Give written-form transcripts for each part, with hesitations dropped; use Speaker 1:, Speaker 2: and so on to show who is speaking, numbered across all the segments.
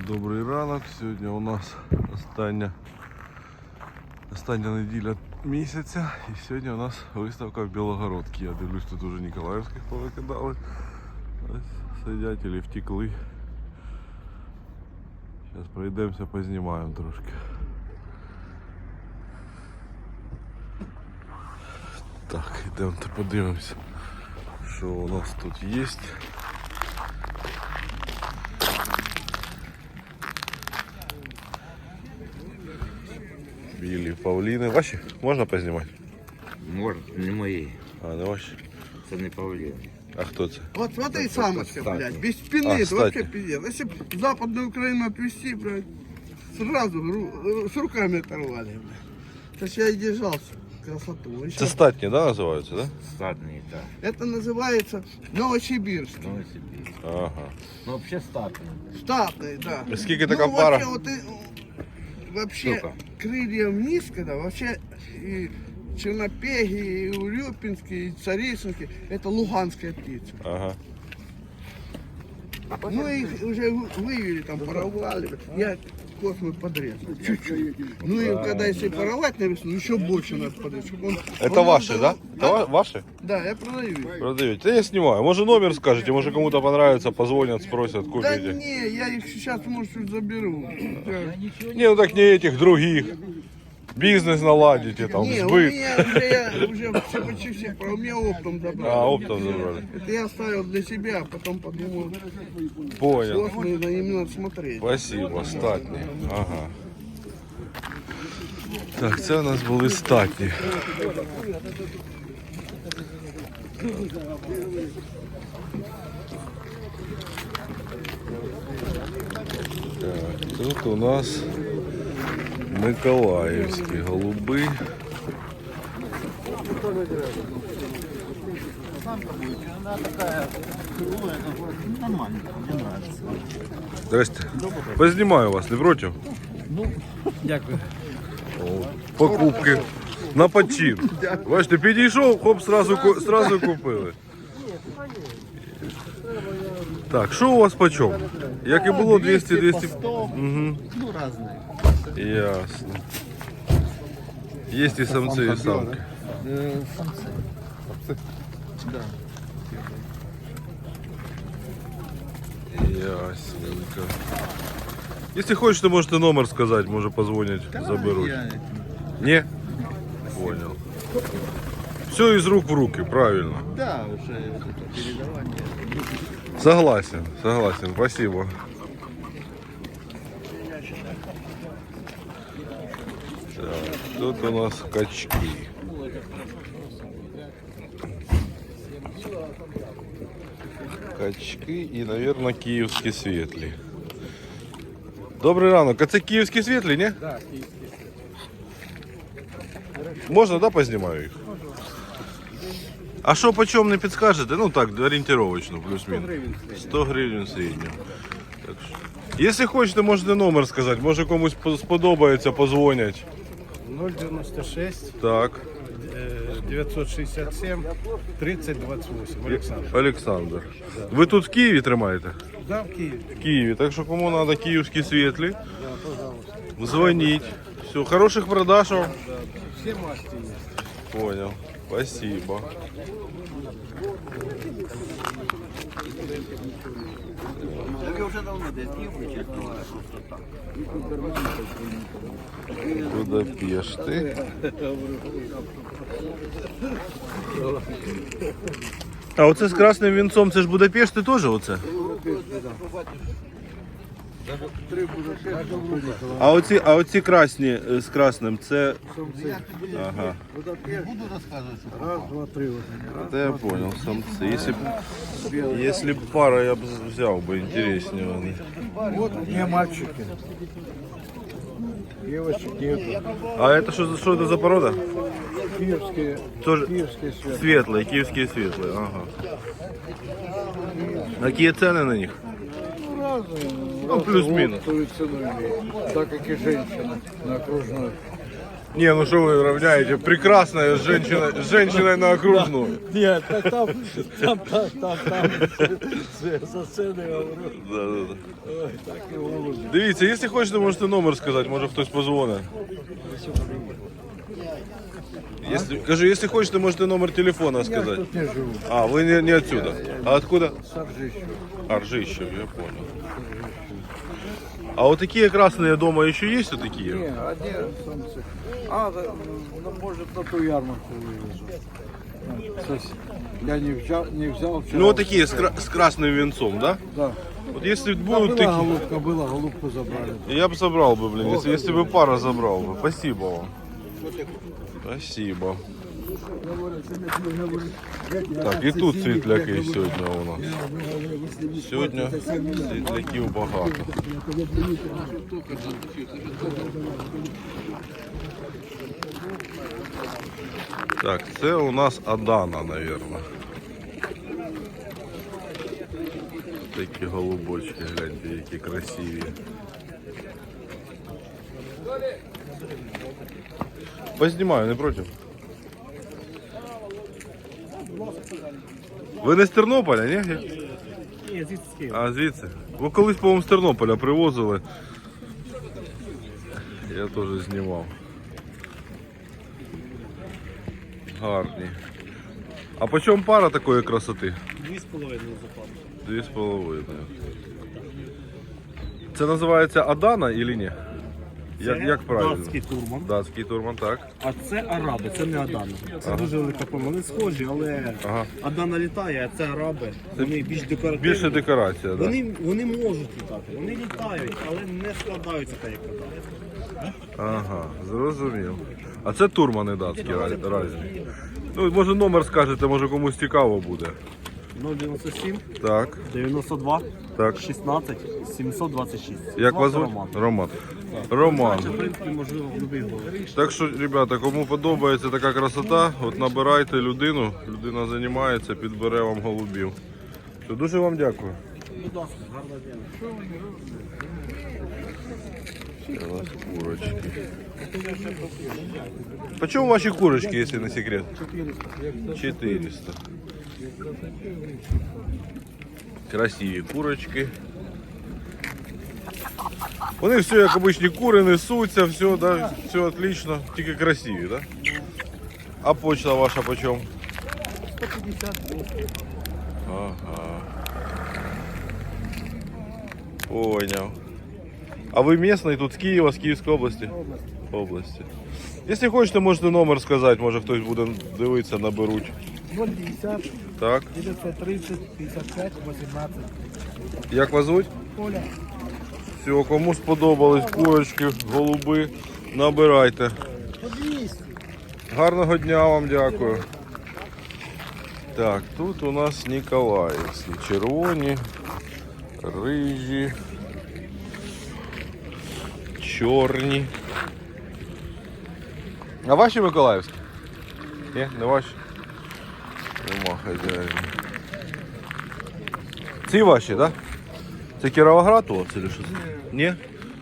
Speaker 1: Добрий ранок. Сьогодні у нас остання неділя місяця. І сьогодні у нас виставка в Білогородці. Я дивлюсь, тут уже Ніколаївських повикидали. Ось сидять і втекли. Зараз пройдемося, познімаємо трошки. Так, йдемо подивимося, що у нас тут є. Білі павліни. Ваші? Можна познімати?
Speaker 2: Можна, не мої.
Speaker 1: А, не ваші?
Speaker 2: Це не павліни.
Speaker 1: А хто це?
Speaker 3: Вот смотри, самочка, блядь, без спины,
Speaker 1: А,
Speaker 3: это
Speaker 1: кстати.
Speaker 3: вообще пиздец. Если бы Западную Украину отвезти, блядь, сразу с руками оторвали, блядь. Сейчас я и держался, красоту.
Speaker 1: Це статні, да, називаються, да?
Speaker 2: Статний, так.
Speaker 3: Это называется Новосибирск.
Speaker 2: Новосибірськ.
Speaker 1: Ага.
Speaker 2: Ну, взагалі статний.
Speaker 3: Штатный, да.
Speaker 1: Скільки така пара?
Speaker 3: Вообще, вот, вообще
Speaker 2: Сколько?
Speaker 3: крылья вниз, когда вообще и чернопеги, и урюпинские, и царицынские, это луганская птица.
Speaker 1: Ага.
Speaker 3: Ну их уже вывели, там порвали. Я космы подрезал. Чуть-чуть. Ну и когда если порвать на весну, еще больше надо подрезать. чтобы он-
Speaker 1: Это
Speaker 3: он
Speaker 1: ваши, да?
Speaker 3: Да?
Speaker 1: Это ваши?
Speaker 3: Да, я продаю их.
Speaker 1: Продаете? Да я снимаю. Может номер скажете, может кому-то понравится, позвонят, спросят,
Speaker 3: Да
Speaker 1: купите.
Speaker 3: не, я их сейчас, может, заберу. Да.
Speaker 1: Не, ну так не этих, других. Бизнес наладите, там,
Speaker 3: Не, у
Speaker 1: сбыт.
Speaker 3: меня я уже все, почти все, у меня оптом забрал.
Speaker 1: А, оптом забрали.
Speaker 3: Это я оставил для себя, а потом подумал,
Speaker 1: Понял.
Speaker 3: космы, на им надо смотреть.
Speaker 1: Спасибо, статні. Ага. Так, це у нас були статні. Так, тут у нас Миколаївські голуби.
Speaker 2: Нормально, мені подобається.
Speaker 1: Здрасте. Познімаю вас, не проти?
Speaker 2: Дякую.
Speaker 1: О, покупки на почин. Бачите, підійшов, хоп, сразу купили. Так, що у вас по чому? Як і було, 200-200. Угу.
Speaker 2: Ну, різні.
Speaker 1: Ясно. Є і самці, і самки.
Speaker 2: Самці. Да.
Speaker 1: Ясненько. Если хочешь, можете номер сказать, может позвонить, заберут. Не? Понял. Все из рук в руки, правильно.
Speaker 2: Да, вже передавання.
Speaker 1: Согласен, спасибо. Так, тут у нас качки. Качки і, наверное, київські світлі. Добрий ранок. А це київські світлі, ні?
Speaker 2: Так,
Speaker 1: Можна, да, познімаю їх? А що по чому не підскажете? Ну так, орієнтировочно, плюс-мінус. 100 гривень середньо. Так що. Якщо хочете, можете номер сказати. Може комусь сподобається, позвонять.
Speaker 4: 096
Speaker 1: Так.
Speaker 4: 967 3028. Олександр.
Speaker 1: Олександр. Ви тут в Києві тримаєте?
Speaker 4: Да, в Києві.
Speaker 1: В Києві. Так що кому треба київські світлі, дзвоніть. Все, хороших продаж вам.
Speaker 4: Всі масті є.
Speaker 1: Понял. Спасибо. Будапешти. А оце з красним вінцом, це ж Будапешти теж оце? А оці красні з красним, це... Ага.
Speaker 4: Раз, два, три.
Speaker 1: Это я понял, самцы. Если б пара, я бы взял бы интереснее. Они.
Speaker 4: Вот не мальчики. Девочек нету.
Speaker 1: А это что это за порода?
Speaker 4: Киевские,
Speaker 1: Тоже
Speaker 4: киевские связи.
Speaker 1: светлые, киевские светлые. Ага. Какие цены на них?
Speaker 4: Разные.
Speaker 1: Ну, плюс-минус.
Speaker 4: Свою цену имеют. Так как и женщина на окружной.
Speaker 1: Не, ну что вы равняете? Прекрасная женщина, с женщиной на окружную.
Speaker 2: Ні, так там за сценою говорю.
Speaker 1: Да.
Speaker 2: Ой, так і голубі.
Speaker 1: Дивіться, якщо хочете, можете номер сказати, може хтось позвонить. Кажу, якщо хочете, можете номер телефона сказати.
Speaker 4: Тут не живу.
Speaker 1: А, вы не отсюда. А откуда?
Speaker 4: Саржищу.
Speaker 1: Аржищев, я понял. А вот такие красные дома еще есть вот такие?
Speaker 4: Не, одни самцы. Ну, может, на ту ярмарку вывезу. Я не взял вчера.
Speaker 1: Ну вот такие с красным венцом, да?
Speaker 4: Да.
Speaker 1: Вот если
Speaker 4: Там
Speaker 1: будут
Speaker 4: была
Speaker 1: такие,
Speaker 4: голубку забрали.
Speaker 1: я бы собрал бы, блин, если бы пара забрал бы. Спасибо вам. Спасибо. Так, і тут світляки сьогодні у нас. Сьогодні світляків багато. Так, це у нас Адана, наверное. Такі голубочки, гляньте, які красиві. Познімаю, не проти. Ви не з Тернополя, ні?
Speaker 2: Ні, звідси з Києва.
Speaker 1: А, звідси? Ви колись, по-моєму, з Тернополя привозили. Я теж знімав. Гарні. А по чому пара такої красоти?
Speaker 2: 2,5 запад.
Speaker 1: 2,5. Це називається Адана или ні? Як правильно?
Speaker 2: Датський турман.
Speaker 1: Датський турман, так.
Speaker 2: А це араби, це не Адана. Це дуже велика помилка. Вони схожі, але
Speaker 1: Ага.
Speaker 2: Адана літає, а це араби. Вони більш декоративні.
Speaker 1: Більше декорація, так.
Speaker 2: Вони можуть літати, вони літають, але не складаються так, як Адана.
Speaker 1: Ага, зрозумів. А це турмани датські різні. Ну, може номер скажете, може комусь цікаво буде.
Speaker 2: 097
Speaker 1: Так,
Speaker 2: 92
Speaker 1: так.
Speaker 2: 16 726.
Speaker 1: Як вас
Speaker 2: Звати
Speaker 1: звуть?
Speaker 2: Роман.
Speaker 1: Роман.
Speaker 2: В принципі, можливо, в будь-який голос.
Speaker 1: Так що, ребята, кому подобається така красота, от набирайте людину, людина займається, підбере вам голубів. Все, дуже вам дякую.
Speaker 2: Будь ласка, гарного дня.
Speaker 1: Це у нас курочки. Почему ваші курочки, если не секрет? 400. Красиві курочки. Вони все, як обичні кури, несуться, все, да, все отлично, тільки красиві, да? А почта ваша почем?
Speaker 2: 150.
Speaker 1: Ага. Понял. А ви місний тут з Києва, з Київської області? Області. Якщо хочете, можете номер сказати, може хтось буде дивитися, наберуть.
Speaker 2: 050
Speaker 1: Так.
Speaker 2: 930 55 18.
Speaker 1: Як вас звуть?
Speaker 2: Оля.
Speaker 1: Все, кому сподобались курочки, голуби, набирайте. Гарного дня вам, дякую. Так, тут у нас Ніколаївські. Червоні, рижі, чорні. А ваші Миколаївські? Ні, не ваші? Нема хазяїна. Ці ваші, так? Да? Це Кіровоград у вас чи що? Ні?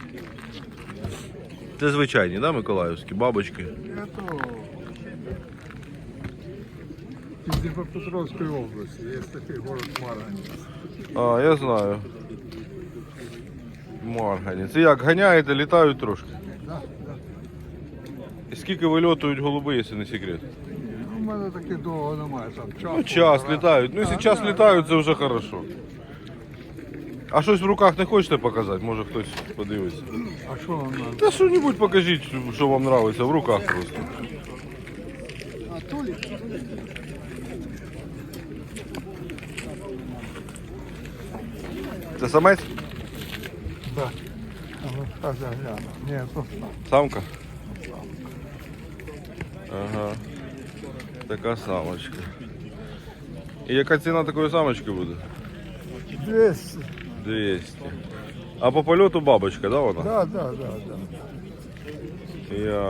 Speaker 1: Це звичайні, да, Миколаївські, бабочки?
Speaker 4: Это из Днепропетровской области. Есть такой город Марганец.
Speaker 1: А, я знаю. Маргані. Це як, ганяєте, літають трошки?
Speaker 4: Да.
Speaker 1: І скільки вильотують голуби, якщо не секрет?
Speaker 4: Ну, у мене таки довго немає. Там час.
Speaker 1: Ну, час
Speaker 4: полтора.
Speaker 1: літають. Ну, якщо час літають, це вже хорошо. А щось в руках не хочете показати? Може хтось подивиться.
Speaker 4: А що вам надо?
Speaker 1: Та що-небудь покажіть, що вам подобається, в руках просто. Це самець?
Speaker 4: Да. А ну, сейчас я гляну. Ні, то
Speaker 1: Самка? Ага. Така самочка. І яка ціна такої самочки буде?
Speaker 4: 200.
Speaker 1: 200. А по польоту бабочка, да, вона?
Speaker 4: Да, да, да, да.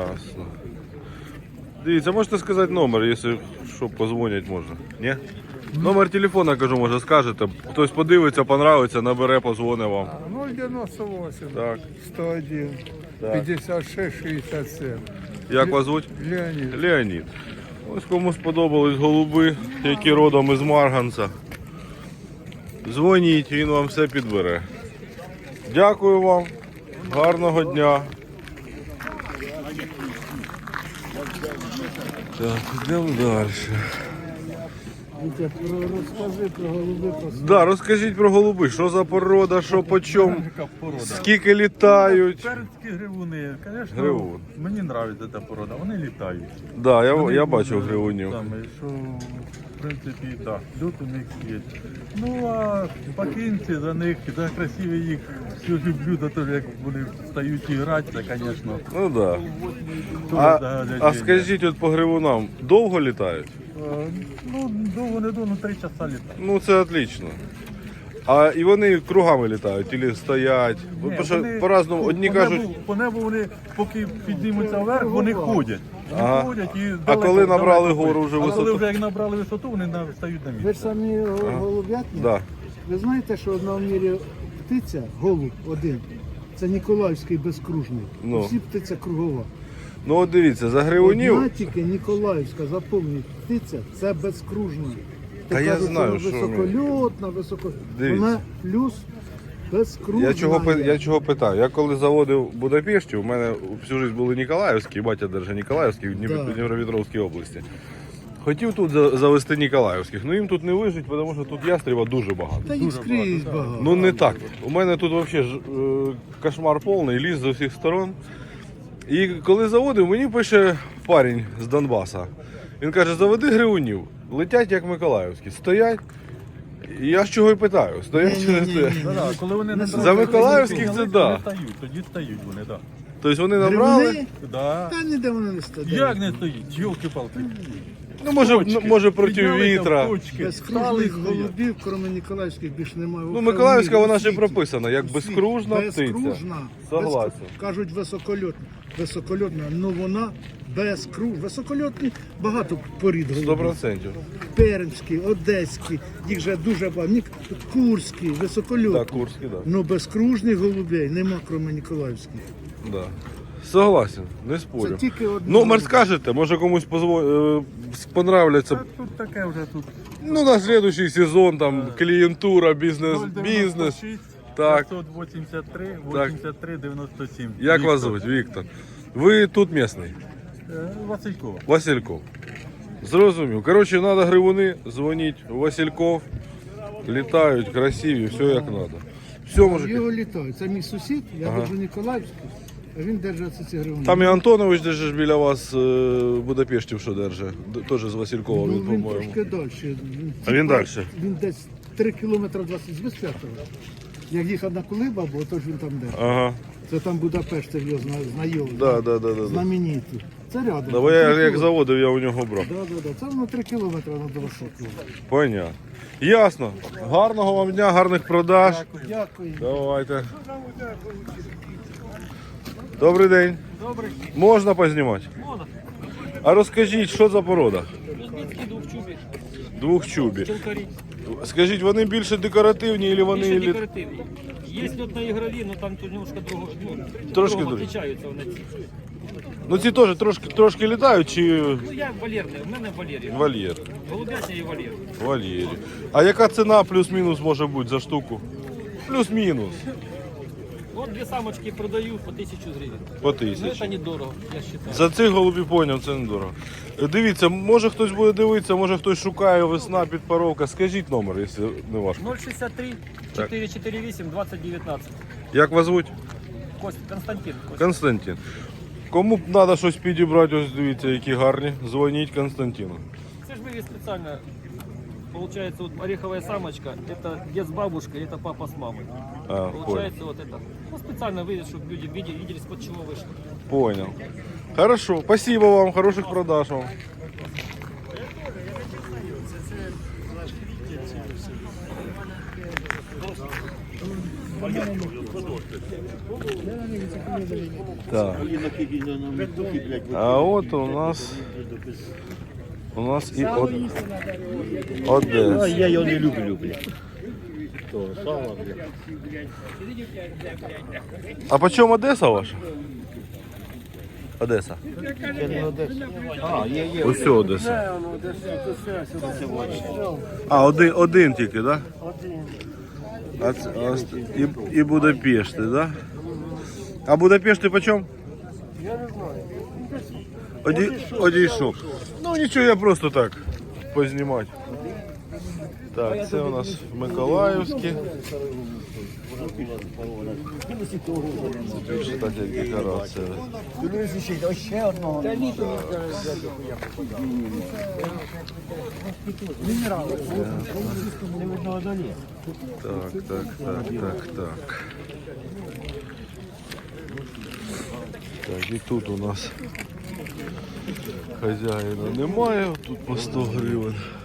Speaker 1: Ясно. Дивіться, можете сказати номер, якщо що, позвонять можна. Ні? Номер телефона, кажу, може скажете. Хтось подивиться, понравиться, набере, позвоне вам.
Speaker 4: 098
Speaker 1: Так.
Speaker 4: 101
Speaker 1: Так.
Speaker 4: 56 67.
Speaker 1: Як вас звуть?
Speaker 4: Леонид.
Speaker 1: Леонід. Ось кому сподобались голуби, які родом із Марганця. Дзвоніть, він вам все підбере. Дякую вам. Гарного дня. Так, йдемо далі.
Speaker 4: Розкажи про голуби.
Speaker 1: Да, розкажіть про голуби, що за порода, що по чому, скільки літають.
Speaker 5: Перські гривуни, звісно,
Speaker 1: Гривун.
Speaker 5: мені подобається ця порода, вони літають.
Speaker 1: Да, я
Speaker 5: Вони,
Speaker 1: бачив гривунів.
Speaker 5: Там, що, в принципі, так, льот у них є. Ну, а пакинці за них, за красиві їх, все люблю, за те, як вони стають і грати, це, звісно,
Speaker 1: Ну да.
Speaker 5: дуже
Speaker 1: А
Speaker 5: заглядіння.
Speaker 1: скажіть от по гривунам, довго літають?
Speaker 5: Ну, довго не довго, 3 часа літають.
Speaker 1: Ну це отлично. А і вони кругами літають, або стоять. Тому що
Speaker 5: Вони
Speaker 1: по-разному, одні
Speaker 5: по
Speaker 1: кажуть,
Speaker 5: небу, по небу вони, поки піднімуться вверх, вони ходять. Вони
Speaker 1: Ага.
Speaker 5: ходять і
Speaker 1: А
Speaker 5: далеко,
Speaker 1: коли набрали
Speaker 5: далеко
Speaker 1: гору вже
Speaker 5: ходять. А коли
Speaker 1: висоту?
Speaker 5: вже як набрали висоту, вони стають на
Speaker 6: Ви ж
Speaker 5: місце.
Speaker 6: самі голуб'ятні?
Speaker 1: да.
Speaker 6: Ви знаєте, що одна в мірі птиця, голуб один, це Ніколаївський безкружний.
Speaker 1: Ну.
Speaker 6: Всі птиця кругова.
Speaker 1: Ну от дивіться, за гривунів.
Speaker 6: Одна тільки Ніколаївська, запомніть, птиця це безкружна.
Speaker 1: Та я
Speaker 6: кажуть,
Speaker 1: знаю,
Speaker 6: що
Speaker 1: що
Speaker 6: високольотна, високо.
Speaker 1: Дивіться.
Speaker 6: Вона плюс безкружна.
Speaker 1: Я чого питаю? Я коли заводив в Будапешті, у мене всю життя були Ніколаївські, батя держа Ніколаївський в
Speaker 6: Да.
Speaker 1: Дніпропетровській області. Хотів тут завести Ніколаївських, але їм тут не вижить, тому що тут ястріба дуже багато.
Speaker 6: Та їх скрізь багато.
Speaker 1: Ну не так. У мене тут взагалі кошмар повний, ліс з усіх сторон. І коли заводив, мені пише парень з Донбаса. Він каже, заведи гривунів, летять як Миколаївські, стоять. І я ж чого й питаю, стоять чи не стоять?
Speaker 5: Да, коли вони не
Speaker 1: За Миколаївських це да.
Speaker 5: Тоді стають вони, так.
Speaker 1: Тобто вони набрали,
Speaker 6: Гривуни?
Speaker 5: Да.
Speaker 6: Та ніде вони не стоять.
Speaker 5: Як не стоїть? Йолки-палки.
Speaker 1: ну може проти
Speaker 5: Підняли там
Speaker 1: вітра.
Speaker 5: точки,
Speaker 6: Безкружних
Speaker 5: стали, стоять.
Speaker 6: голубів, крім Ніколаївських, більше немає.
Speaker 1: Ну Миколаївська вона ще
Speaker 6: У світі.
Speaker 1: прописана, як
Speaker 6: У світі.
Speaker 1: безкружна птиця.
Speaker 6: Безкружна.
Speaker 1: Согласен.
Speaker 6: Кажуть високольотна. Високольотна, але вона безкружна. Високольотні багато порід голубів.
Speaker 1: 100%.
Speaker 6: Пермські, одеські, їх вже дуже багато. Курські, високольотні.
Speaker 1: Так, Курський, так.
Speaker 6: Ну безкружних голубей нема, крім Ніколаївських.
Speaker 1: Да. Согласен, не
Speaker 6: Це
Speaker 1: спорю.
Speaker 6: тільки одне.
Speaker 1: Номер скажете, може комусь понравляться.
Speaker 5: Так, тут таке вже тут.
Speaker 1: Ну, на следующий сезон, там, клієнтура, бізнес.
Speaker 5: 096,
Speaker 1: Так.
Speaker 5: 583,
Speaker 1: Так.
Speaker 5: 83, 97.
Speaker 1: Як вас звуть? Віктор. Ви тут місний?
Speaker 5: Василькова.
Speaker 1: Васильков. Зрозумів. Коротше, треба гривуни, дзвоніть. Васильков. Літають, красиві, все як треба. Все, мужики.
Speaker 6: Його літають. Це мій сусід, я держу Ніколаївський, а він держить ці гривні.
Speaker 1: Там і Антонович держиш біля вас в Будапешті, що держить. Теж з Василькова,
Speaker 6: Ну,
Speaker 1: він,
Speaker 6: він
Speaker 1: по-моєму.
Speaker 6: трошки далі.
Speaker 1: А він далі?
Speaker 6: Він десь 3 кілометри 20 з Безп'ятого. Як їхав на Кулиба, бо то ж він там де.
Speaker 1: Ага.
Speaker 6: Це там Будапешт, це його знайомий.
Speaker 1: Да.
Speaker 6: Знаменитий. Це рядом.
Speaker 1: Да, бо я як заводив, я у нього брав.
Speaker 6: Да. Це воно 3 кілометри на 20 кілометрів.
Speaker 1: Понятно. Ясно. Гарного вам дня, гарних продаж.
Speaker 6: Дякую.
Speaker 1: Давайте. Добрий день. Добрий. Можна познімати? Можна. А розкажіть, що за порода?
Speaker 7: Кузьмицький двохчубі,
Speaker 1: Двохчубі.
Speaker 7: челкарі.
Speaker 1: Скажіть, вони більше декоративні або вони
Speaker 7: Більше декоративні. Є льот на ігрові, але там тут немножко друго,
Speaker 1: Трошки
Speaker 7: другого
Speaker 1: другі.
Speaker 7: відрізняються вони ці.
Speaker 1: Ну ці теж трошки літають чи
Speaker 7: Ну я валерний, у мене валерій.
Speaker 1: вольєр?
Speaker 7: Голубятня і валер.
Speaker 1: Вольєрі. А яка ціна плюс-мінус може бути за штуку? Плюс-мінус.
Speaker 7: От дві самочки продаю по 1000 гривень.
Speaker 1: По
Speaker 7: Ну
Speaker 1: 1000.
Speaker 7: це недорого, я вважаю.
Speaker 1: За цих голубів поняв, це недорого. Дивіться, може хтось буде дивитися, може хтось шукає весна, підпаровка. Скажіть номер, якщо не важко.
Speaker 7: 063 448 2019.
Speaker 1: Як вас звуть?
Speaker 7: Константин.
Speaker 1: Константин. Кому б треба щось підібрати, ось дивіться, які гарні. Дзвоніть Константину.
Speaker 7: Це ж вывез специально. Получается, вот ореховая самочка, это дед с бабушкой, это папа с мамой.
Speaker 1: А, понял.
Speaker 7: Получается вот это. Ну, специально вывез, чтобы люди видели, с-под чего вышло.
Speaker 1: Понял. Хорошо, спасибо вам, хороших продаж вам. Так. А от у нас У нас і Одеса.
Speaker 2: Я його не люблю, блядь. То, сало, блядь.
Speaker 1: А по чому Одеса ваша? Одеса.
Speaker 2: Це не Одеса. А, є.
Speaker 1: Ось Одеса. А, один тільки, так? Да? І Будапешти, так? Да? А Будапешти по чому? Я не знаю. Одійшов. Ну нічого, я просто так познімати. Так, це у нас Миколаївське. Тут, кстати, декорація. Так. Так, і тут у нас хазяїна немає, тут по 100 гривень.